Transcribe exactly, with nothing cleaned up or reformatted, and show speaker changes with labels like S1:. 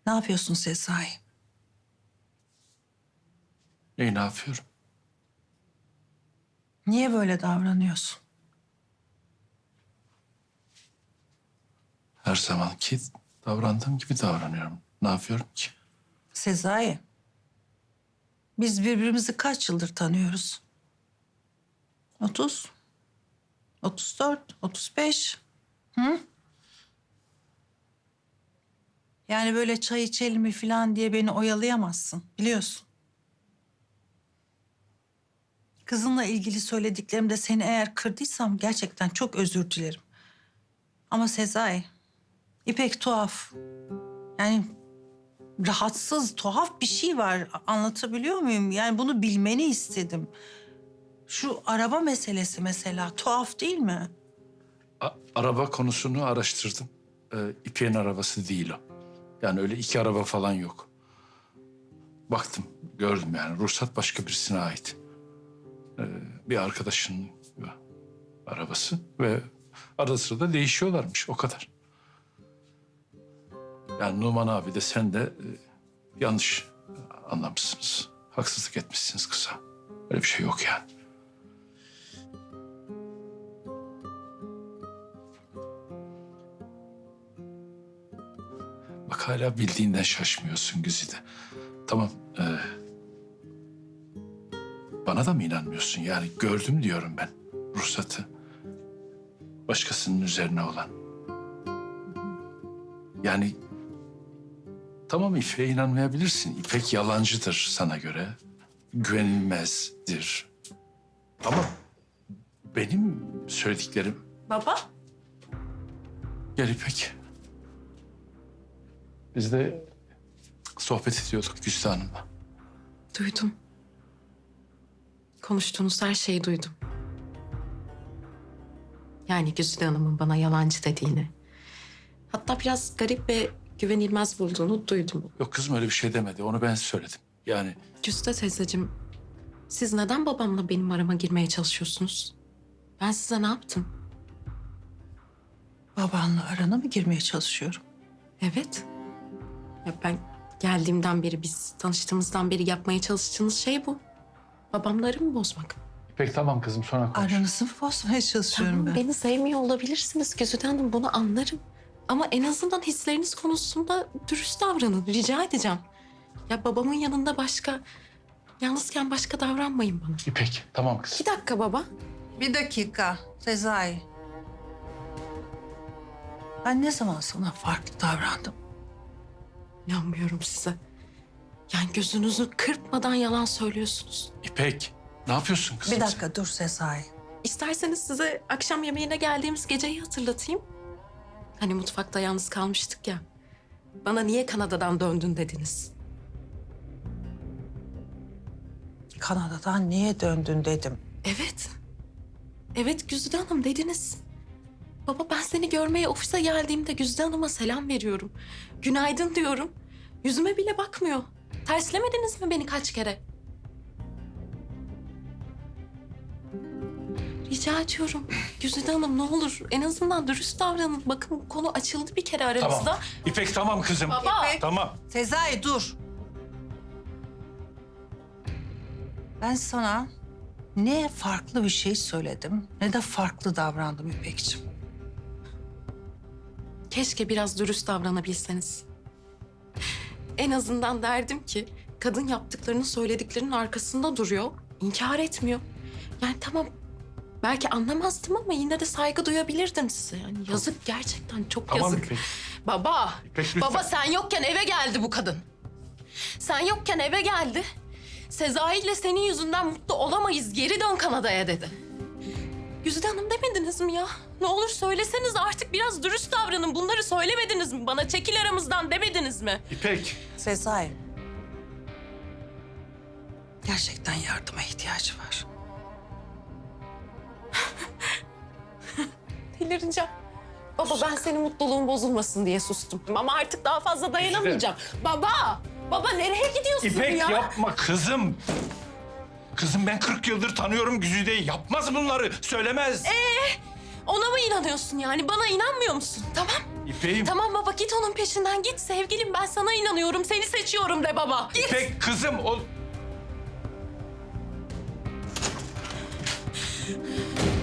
S1: Ne yapıyorsun Sezai?
S2: Neyi ne yapıyorum?
S1: Niye böyle davranıyorsun?
S2: Her zamanki davrandığım gibi davranıyorum. Ne yapıyorum ki?
S1: Sezai, biz birbirimizi kaç yıldır tanıyoruz? Otuz, otuz dört, otuz beş. Hı? Yani böyle çay içelim mi falan diye beni oyalayamazsın, biliyorsun. Kızınla ilgili söylediklerimde seni eğer kırdıysam gerçekten çok özür dilerim. Ama Sezai, İpek tuhaf. Yani rahatsız, tuhaf bir şey var. Anlatabiliyor muyum? Yani bunu bilmeni istedim. Şu araba meselesi mesela tuhaf değil mi?
S2: A- araba konusunu araştırdım. Ee, İpek'in arabası değil o. Yani öyle iki araba falan yok. Baktım, gördüm yani. Ruhsat başka birisine ait. Ee, bir arkadaşının arabası ve arada sırada değişiyorlarmış, o kadar. Yani Numan abi de sen de e, yanlış anlamışsınız. Haksızlık etmişsiniz kıza. Öyle bir şey yok yani. Bak hala bildiğinden şaşmıyorsun Güzide. Tamam. e, bana da mı inanmıyorsun? Yani gördüm diyorum ben ruhsatı. Başkasının üzerine olan. Yani tamam, İpek'e inanmayabilirsin. İpek yalancıdır sana göre. Güvenilmezdir. Ama benim söylediklerim...
S1: Baba?
S2: Gel İpek. Biz de sohbet ediyorduk Güzide Hanım'la.
S3: Duydum. Konuştuğunuz her şeyi duydum. Yani Güzide Hanım'ın bana yalancı dediğini. Hatta biraz garip ve güvenilmez bulduğunu duydum.
S2: Yok kızım, öyle bir şey demedi. Onu ben söyledim. Yani
S3: Güzide teyzeciğim, siz neden babamla benim arama girmeye çalışıyorsunuz? Ben size ne yaptım?
S1: Babanla arana mı girmeye çalışıyorum?
S3: Evet. Ya ben geldiğimden beri, biz tanıştığımızdan beri yapmaya çalıştığınız şey bu. Babamla aramı bozmak.
S2: İpek tamam kızım, sonra konuş.
S1: Aranızı mı bozmaya çalışıyorum
S3: Tamam,
S1: ben?
S3: beni sevmiyor olabilirsiniz Güzide Hanım, bunu anlarım. Ama en azından hisleriniz konusunda dürüst davranın, rica edeceğim. Ya babamın yanında başka, yalnızken başka davranmayın bana.
S2: İpek tamam kızım.
S3: Bir dakika baba.
S1: Bir dakika Sezai. Ben ne zaman sana farklı davrandım?
S3: İnanmıyorum size. Yani gözünüzü kırpmadan yalan söylüyorsunuz.
S2: İpek ne yapıyorsun kızım?
S1: Bir dakika dur Sezai.
S3: İsterseniz size akşam yemeğine geldiğimiz geceyi hatırlatayım. Hani mutfakta yalnız kalmıştık ya. Bana niye Kanada'dan döndün dediniz.
S1: Kanada'dan niye döndün dedim.
S3: Evet. Evet Güzide Hanım dediniz. Baba ben seni görmeye ofise geldiğimde Güzide Hanım'a selam veriyorum. Günaydın diyorum. Yüzüme bile bakmıyor. Terslemediniz mi beni kaç kere? Rica ediyorum. Güzide Hanım ne olur en azından dürüst davranın. Bakın bu konu açıldı bir kere aramızda.
S2: Tamam. İpek tamam kızım.
S3: Baba.
S1: İpek.
S2: Tamam.
S1: Sezai dur. Ben sana ne farklı bir şey söyledim ne de farklı davrandım İpekciğim.
S3: Keşke biraz dürüst davranabilseniz. En azından derdim ki kadın yaptıklarını söylediklerinin arkasında duruyor, inkar etmiyor. Yani tamam belki anlamazdım ama yine de saygı duyabilirdim size. Yani yazık gerçekten çok
S2: Tamam
S3: yazık.
S2: İpek.
S3: Baba,
S2: İpek, lütfen.
S3: baba sen yokken eve geldi bu kadın. Sen yokken eve geldi. Sezai ile senin yüzünden mutlu olamayız, geri dön Kanada'ya dedi. Güzide Hanım demediniz mi ya? Ne olur söyleseniz artık biraz dürüst davranın. Bunları söylemediniz mi bana? Çekil aramızdan demediniz mi?
S2: İpek.
S1: Sezai. Gerçekten yardıma ihtiyacı var.
S3: Delireceğim. Baba ben senin mutluluğun bozulmasın diye sustum. Ama artık daha fazla dayanamayacağım. Baba! Baba nereye gidiyorsun
S2: İpek
S3: ya?
S2: yapma kızım. Kızım ben kırk yıldır tanıyorum Güzide'yi. Yapmaz bunları. Söylemez.
S3: Ona mı inanıyorsun yani? Bana inanmıyor musun? Tamam.
S2: İpek'im.
S3: Tamam baba git onun peşinden git sevgilim ben sana inanıyorum seni seçiyorum de baba. Git.
S2: İpek kızım ol.